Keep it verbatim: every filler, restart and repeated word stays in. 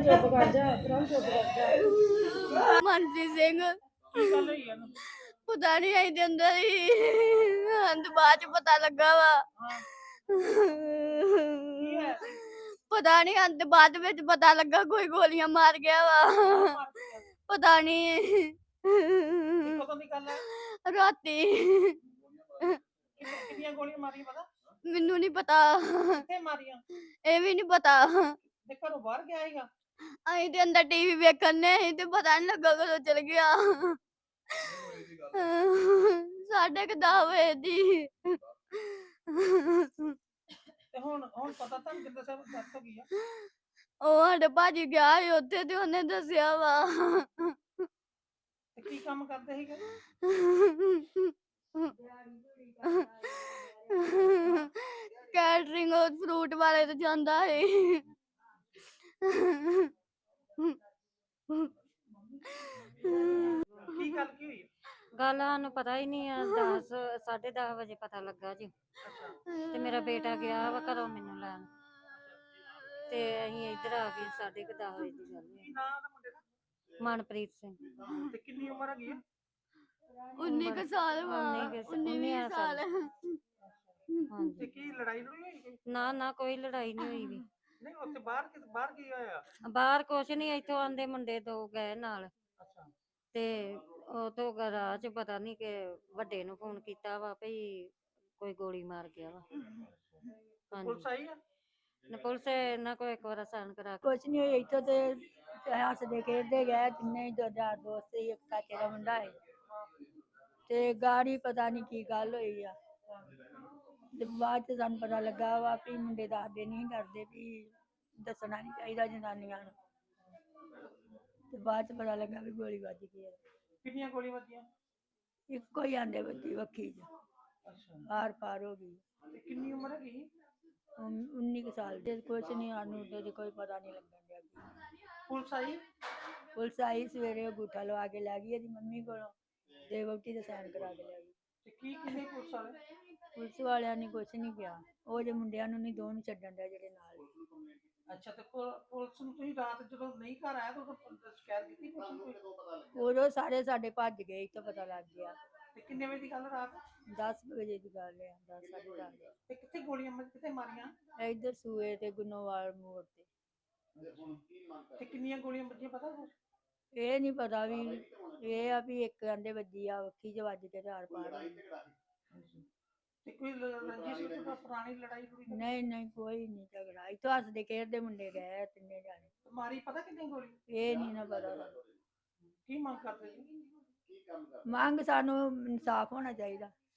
ਚੁੱਪ ਕਰ ਜਾ ਭਰਾ, ਚੁੱਪ ਕਰ ਜਾ। ਮਨਪ੍ਰੀਤ ਸਿੰਘ ਕੀ ਗੱਲ ਹੋਈ ਇਹਨੂੰ? ਪਤਾ ਨਹੀਂ ਆਈ ਦੇ ਅੰਦਰ ਹੀ ਅੰਦ ਬਾਅਦ ਚ ਪਤਾ ਲੱਗਾ ਵਾ। ਹਾਂ ਕੀ ਹੋਇਆ ਸੀ? ਪਤਾ ਨਹੀਂ ਅੰਦ ਬਾਅਦ ਵਿੱਚ ਪਤਾ ਲੱਗਾ ਕੋਈ ਗੋਲੀਆਂ ਮਾਰ ਗਿਆ ਵਾ। ਮਾਰ ਕੇ ਗਿਆ? ਪਤਾ ਨਹੀਂ ਇਹ ਕਦੋਂ ਦੀ ਗੱਲ ਹੈ? ਰਾਤੀ ਕਿੰਨੇ- ਕਿੰਨੀਆਂ ਗੋਲੀਆਂ ਮਾਰੀਆਂ ਪਤਾ? ਮੈਨੂੰ ਨਹੀਂ ਪਤਾ, ਕਿੱਥੇ ਮਾਰੀਆਂ? ਇਹ ਵੀ ਨਹੀਂ ਪਤਾ। ਤੇ ਘਰੋਂ ਬਾਹਰ ਗਿਆ ਸੀਗਾ? ਅਸੀਂ ਤੇ ਅੰਦਰ ਟੀਵੀ ਵੇਖਣ ਨੇ ਸੀ ਤੇ ਪਤਾ ਨਹੀਂ ਲੱਗਾ ਕਦੋਂ ਚਲ ਗਿਆ। ਸਾਢੇ ਕੁ ਦਸ ਵਜੇ ਦੀ। ਤੇ ਹੁਣ ਹੁਣ ਪਤਾ ਤੁਹਾਨੂੰ ਕਿੱਦਾਂ ਸਭ ਡੈਥ ਹੋ ਗਈ ਆ? ਉਹ ਸਾਡੇ ਭਾਜੀ ਗਿਆ ਸੀ ਉੱਥੇ ਤੇ ਉਹਨੇ ਦੱਸਿਆ ਵਾ। ਤੇ ਕੀ ਕੰਮ ਕਰਦੇ ਸੀਗੇ? ਕੈਟਰਿੰਗ ਫਰੂਟ ਵਾਲੇ ਤੇ ਜਾਂਦਾ ਹੈ। ਕੀ ਗੱਲ ਕੀ ਹੋਈ? ਗੱਲ ਸਾਨੂੰ ਪਤਾ ਹੀ ਨਹੀਂ ਆ। ਦਸ ਸਾਢੇ ਦਸ ਵਜੇ ਪਤਾ ਲੱਗਾ ਜੀ। ਤੇ ਮੇਰਾ ਬੇਟਾ ਗਿਆ ਵਾ ਘਰੋਂ ਮੈਨੂੰ ਲੈਣ, ਤੇ ਅਸੀਂ ਇੱਧਰ ਆ ਗਏ। ਸਾਢੇ ਕੁ ਦਸ ਵਜੇ ਦੀ ਗੱਲ ਕੀ ਹੈ। ਨਾਂ ਦਾ ਮੁੰਡੇ ਦਾ? ਮਨਪ੍ਰੀਤ ਸਿੰਘ। ਤੇ ਕਿੰਨੀ ਉਮਰ ਹੈਗੀ ਆ? ਉੱਨੀ ਕੁ ਸਾਲ ਵਾ। ਉੱਨੀ ਕੁ- ਉੱਨੀ ਵੀਹ ਉੱਨੀ ਸਾਲ। ਸਾਲ। ਤੇ ਹਾਂਜੀ। ਕੀ ਲੜਾਈ ਲੜੂਈ ਹੋਈ ਕੋਈ? ਨਾ ਨਾ ਕੋਈ ਲੜਾਈ ਨਹੀਂ ਹੋਈ ਵੀ। ਨਹੀਂ ਉੱਥੇ ਬਾਹਰ ਕਿ ਬਾਹਰ ਕੀ ਹੋਇਆ? ਬਾਹਰ ਕੁਛ ਨਹੀਂ, ਇੱਥੋਂ ਆਂਦੇ ਮੁੰਡੇ ਦੋ ਗਏ ਨਾਲ, ਅੱਛਾ ਤੇ ਉਹ ਤੋਂ ਰਾਹ ਚ ਪਤਾ ਨਹੀਂ ਕਿ ਵੱਡੇ ਨੂੰ ਫੋਨ ਕੀਤਾ ਵਾ ਭਈ ਕੋਈ ਗੋਲੀ ਮਾਰ ਗਿਆ ਵਾ। ਪੁਲਿਸ ਹਾਂਜੀ। ਆਈ ਆ? ਨਾ ਪੁਲਿਸ ਇਹਨਾਂ ਕੋਲ ਇੱਕ ਵਾਰ ਸਾਨ ਕਰਾ ਕੇ ਕੁਛ ਨਹੀਂ ਹੋਇਆ ਇੱਥੋਂ ਤੇ ਹੱਸਦੇ ਖੇਡਦੇ ਗਏ ਤਿੰਨੇ ਹੀ, ਦੋ ਯਾਰ ਦੋਸਤ ਸੀ, ਇੱਕ ਕਾਕੇ ਦਾ ਮੁੰਡਾ ਹੈ ਤੇ ਗਾੜੀ ਪਤਾ ਨਹੀਂ ਕੀ ਗੱਲ ਹੋਈ ਆ। ਤੇ ਬਾਅਦ ਚ ਸਾਨੂੰ ਪਤਾ ਲੱਗਾ ਵਾ ਵੀ ਮੁੰਡੇ ਦੱਸਦੇ ਨਹੀਂ ਕਰਦੇ ਵੀ ਦੱਸਣਾ ਨਹੀਂ ਚਾਹੀਦਾ ਜਨਾਨੀਆਂ ਨੂੰ। ਤੇ ਬਾਅਦ ਚ ਪਤਾ ਲੱਗਾ ਵੀ ਗੋਲੀ ਵੱਜ ਗਈ ਹੈ। ਕਿੰਨੀਆਂ ਗੋਲੀਆਂ ਵੱਜੀਆਂ? ਇੱਕੋ ਹੀ ਆਂਦੇ ਬੱਚੀ ਵੱਖੀ ਚ ਅੱਛਾ ਆਰ ਪਾਰ ਹੋ ਗਈ। ਤੇ ਕਿੰਨੀ ਉਮਰ ਹੈਗੀ? ਉਨ- ਉੱਨੀ ਕੁ ਸਾਲ ਦੇ। ਕੁਛ ਨਹੀਂ ਸਾਨੂੰ ਤੇ ਕੋਈ ਪਤਾ ਨਹੀਂ ਲੱਗਣ ਡਿਆ ਕੀ। ਪੁਲਿਸ ਆਈ? ਪੁਲਿਸ ਆਈ ਸਵੇਰੇ, ਅੰਗੂਠਾ ਲਵਾ ਕੇ ਲੈ ਗਈ ਇਹਦੀ ਮੰਮੀ ਕੋਲੋਂ ਤੇ ਵਹੁਟੀ ਦੇ ਸਾਈਨ ਕਰਾ ਕੇ ਲੈ ਗਈ। ਤੇ ਕੀ ਕਿੰਨੇ ਪੁਲਿਸ ਵਾਲੇ? ਪੁਲਿਸ ਵਾਲਿਆਂ ਨੇ ਕੁਛ ਨਹੀਂ ਕਿਹਾ। ਉਹ ਜੇ ਮੁੰਡਿਆਂ ਨੂੰ ਨਹੀਂ, ਦੋ ਨੂੰ ਛੱਡਣ ਡਿਆ ਜਿਹੜੇ ਨਾਲ ਸੀ। ਅੱਛਾ ਤੇ ਪੁ- ਪੁਲਿਸ ਨੂੰ ਤੁਸੀਂ ਰਾਤ ਜਦੋਂ ਨਹੀਂ ਘਰ ਆਇਆ ਤਾਂ ਉਦੋਂ ਪੁਲਿਸ ਸ਼ਿਕਾਇਤ ਕੀਤੀ ਪੁਲਿਸ ਨੂੰ ਕੋਈ? ਉਦੋਂ ਸਾਰੇ ਸਾਡੇ ਭੱਜ ਗਏ ਤਾਂ ਪਤਾ ਲੱਗ ਗਿਆ। ਤੇ ਕਿੰਨੇ ਵਜੇ ਦੀ ਗੱਲ ਰਾਤ? ਦਸ ਵਜੇ ਦੀ ਗੱਲ ਹੈ, ਦਸ ਸਾਢੇ ਦਸ। ਤੇ ਕਿੱਥੇ ਗੋਲੀਆਂ ਮਾਰ ਕਿੱਥੇ ਮਾਰੀਆਂ? ਇੱਧਰ ਸੂਏ ਤੇ ਗੁਨੋਵਾਲ ਮੋੜ ਤੇ। ਤੇ ਕਿੰਨੀਆਂ ਗੋਲੀਆਂ ਵੱਜੀਆਂ ਪਤਾ ਕੁਛ? ਇਹ ਨਹੀਂ ਪਤਾ ਵੀ, ਇਹ ਆ ਵੀ ਇੱਕ ਆਂਦੇ ਵੱਜੀ ਆ ਵੱਖੀ ਚ ਵੱਜ ਕੇ ਚਾਰ ਪਾਰ ਹੋ ਗਈ। ਤੇ ਕੋਈ ਲ- ਰੰਜਿਸ਼ ਕੋਈ ਪੁਰਾਣੀ ਲੜਾਈ ਲੜੂਈ ਤਾਂ- ਨਹੀਂ ਨਹੀਂ ਕੋਈ ਨਹੀਂ ਝਗੜਾ। ਇੱਥੋਂ ਹੱਸਦੇ ਖੇਡਦੇ ਮੁੰਡੇ ਗਏ ਤਿੰਨੇ ਜਾਣੇ। ਮਾਰੀ ਪਤਾ ਕਿੰਨੀ ਗੋਲੀ? ਇਹ ਨਹੀਂ ਨਾ ਪਤਾ ਸਾਨੂੰ। ਕੀ ਮੰਗ ਕਰਦੇ ਜੀ? ਮੰਗ ਸਾਨੂੰ ਇਨਸਾਫ ਹੋਣਾ ਚਾਹੀਦਾ।